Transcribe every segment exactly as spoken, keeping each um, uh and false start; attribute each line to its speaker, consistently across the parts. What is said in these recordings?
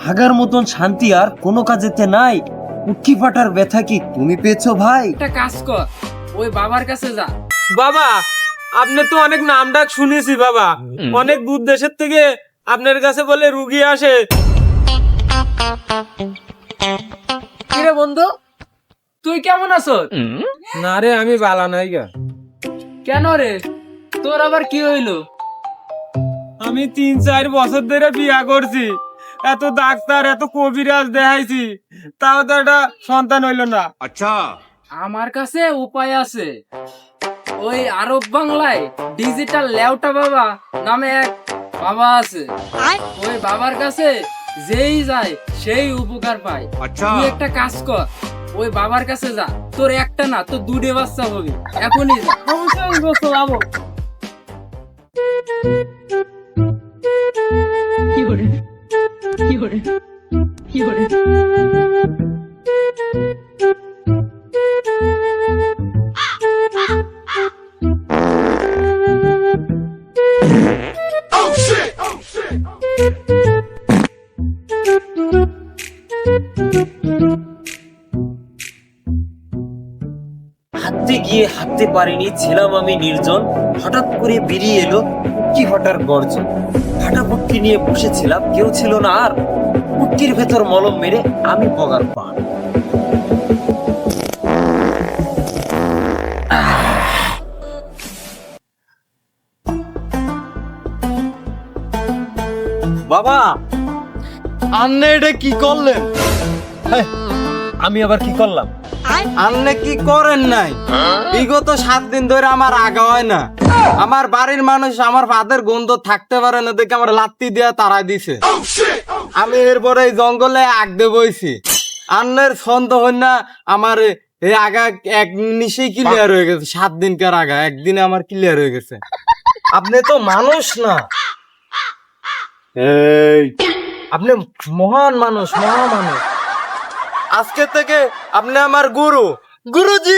Speaker 1: ভাগার মতন শান্তি আর কোনো কাজেতে নাই। উটকি ফাটার ব্যথা কি তুমি পেয়েছো ভাই?
Speaker 2: একটা কাজ কর, ওই বাবার কাছে যা।
Speaker 3: বাবা, আপনি তো অনেক নাম ডাক শুনেছি বাবা, অনেক দূর দেশের থেকে আপনার কাছে বলে রুগী আসে।
Speaker 2: কিরে বন্ধু, তুই কেমন আছো?
Speaker 3: না রে, আমি বালা নাই গা।
Speaker 2: কেন রে, তোর আবার কি হইলো?
Speaker 3: আমি তিন চার বছর ধরে বিয়া করছি, এত ডাক্তার এত কবিরাজ দেখাইছি, তাও তো একটা সন্তান হইলো না।
Speaker 2: আমার কাছে উপায় আছে। ওই আরব বাংলায় ডিজিটাল লেউটা বাবা নামে এক বাবা আছে। ওই বাবার কাছে যেই যায় সেই উপকার পায়। তুই একটা কাজ কর, ওই বাবার কাছে যা, তোর একটা না তোর দুটো বাচ্চা হবে। এখনই যা।
Speaker 3: অবশ্যই গোসল যাবো।
Speaker 1: হাঁটতে গিয়ে হাঁটতে পারিনি, ছিলাম আমি নির্জন। হঠাৎ করে বেরিয়ে এলো উটকি ফাটার গর্জন। ফাটা পুটকি নিয়ে বসেছিলাম, কেউ ছিল না আর। পুটকির ভেতর মলম মেরে আমি বগার পার। বাবা,
Speaker 4: আন্নে এটা কি করলেন?
Speaker 1: হেই, আমি আবার কি করলাম?
Speaker 4: আন্নে কি করেন নাই? বিগত সাত দিন ধরে আমার আগা হয় না। আমার বাড়ির মানুষ আমার ভাতের গন্ধ থাকতে পারে না দেখে আমার লাত্তি দিয়া তাড়াই দিছে। আমি এরপরে এই জঙ্গলে আগ দে বইছি। আন্নের ছন্দ হই না আমার এই আগা এক নিশেই ক্লিয়ার হয়ে গেছে। সাত দিনকার আগা একদিনে আমার ক্লিয়ার হয়ে গেছে। আপনি তো মানুষ না, এই আপনি মহান মানুষ, মহা মানুষ। আজকে থেকে আপনি আমার গুরু, গুরুজি।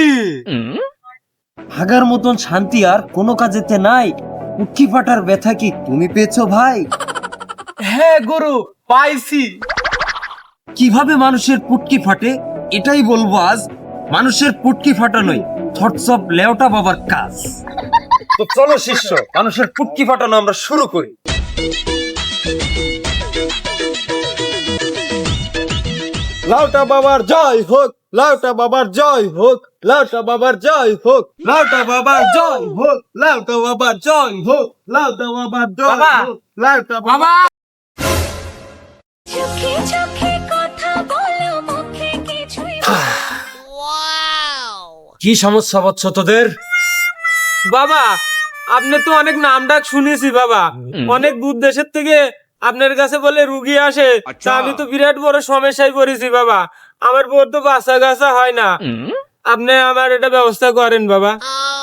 Speaker 1: ভাগার মতন শান্তি আর কোনো কাজেতে নাই। উটকি ফাটার ব্যথা কি তুমি পেয়েছো ভাই?
Speaker 4: হ্যাঁ গুরু, পাইছি।
Speaker 1: কিভাবে মানুষের পুটকি ফাটে এটাই বলবো আজ। মানুষের পুটকি ফাটানোই থটস অফ লেওটা বাবার কাজ। তো চলো শিষ্য, মানুষের পুটকি ফাটানো আমরা শুরু করি।
Speaker 4: লাউটা বাবার জয় হোক, লাউটা বাবার জয় হোক, লাউটা বাবার জয় হোক, লাউটা বাবার জয় হোক, লাউটা বাবার জয় হোক, লাউটা বাবার জয়
Speaker 3: বাবা!
Speaker 4: হোক, লাউটা বাবা।
Speaker 3: বাবা,
Speaker 5: চোখে চোখে কথা বলো, মুখে কিছুই
Speaker 1: কি সমস্যা বৎস তোদের?
Speaker 3: বাবা, আপনি তো অনেক নাম ডাক শুনেছি বাবা, অনেক দূর দেশের থেকে আপনার কাছে বলে রুগী আসে, তা আমি তো বিরাট বড় সমস্যায় পড়েছি বাবা। আমার বোর তো বাচ্চা গাছা হয় না, আপনি আমার এটা ব্যবস্থা করেন বাবা।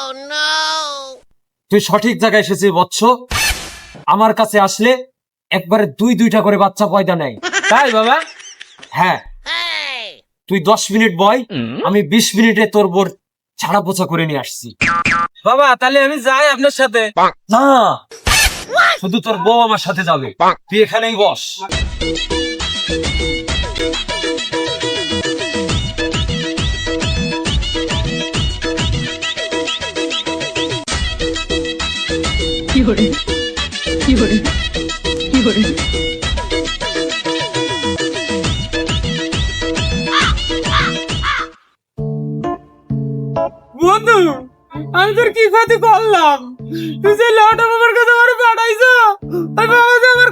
Speaker 1: তুই সঠিক জায়গায় এসেছিস বৎস। আমার কাছে আসলে একবারে দুই দুইটা করে বাচ্চা পয়দা নেয়।
Speaker 3: তাই বাবা?
Speaker 1: হ্যাঁ, তুই দশ মিনিট বয়, আমি বিশ মিনিটে তোর বোর ছাড়া পোছা করে নিয়ে আসছি।
Speaker 3: বাবা তাহলে আমি যাই আপনার সাথে।
Speaker 1: না, শুধু তোর বউ আমার সাথে যাবে। তুই এখানেই বস।
Speaker 3: বন্ধু, আমি তোর কি ক্ষতি করলাম? তুই যে লটা বাবার কাছে আমার পাঠাইছো, আর বাবা যে আমার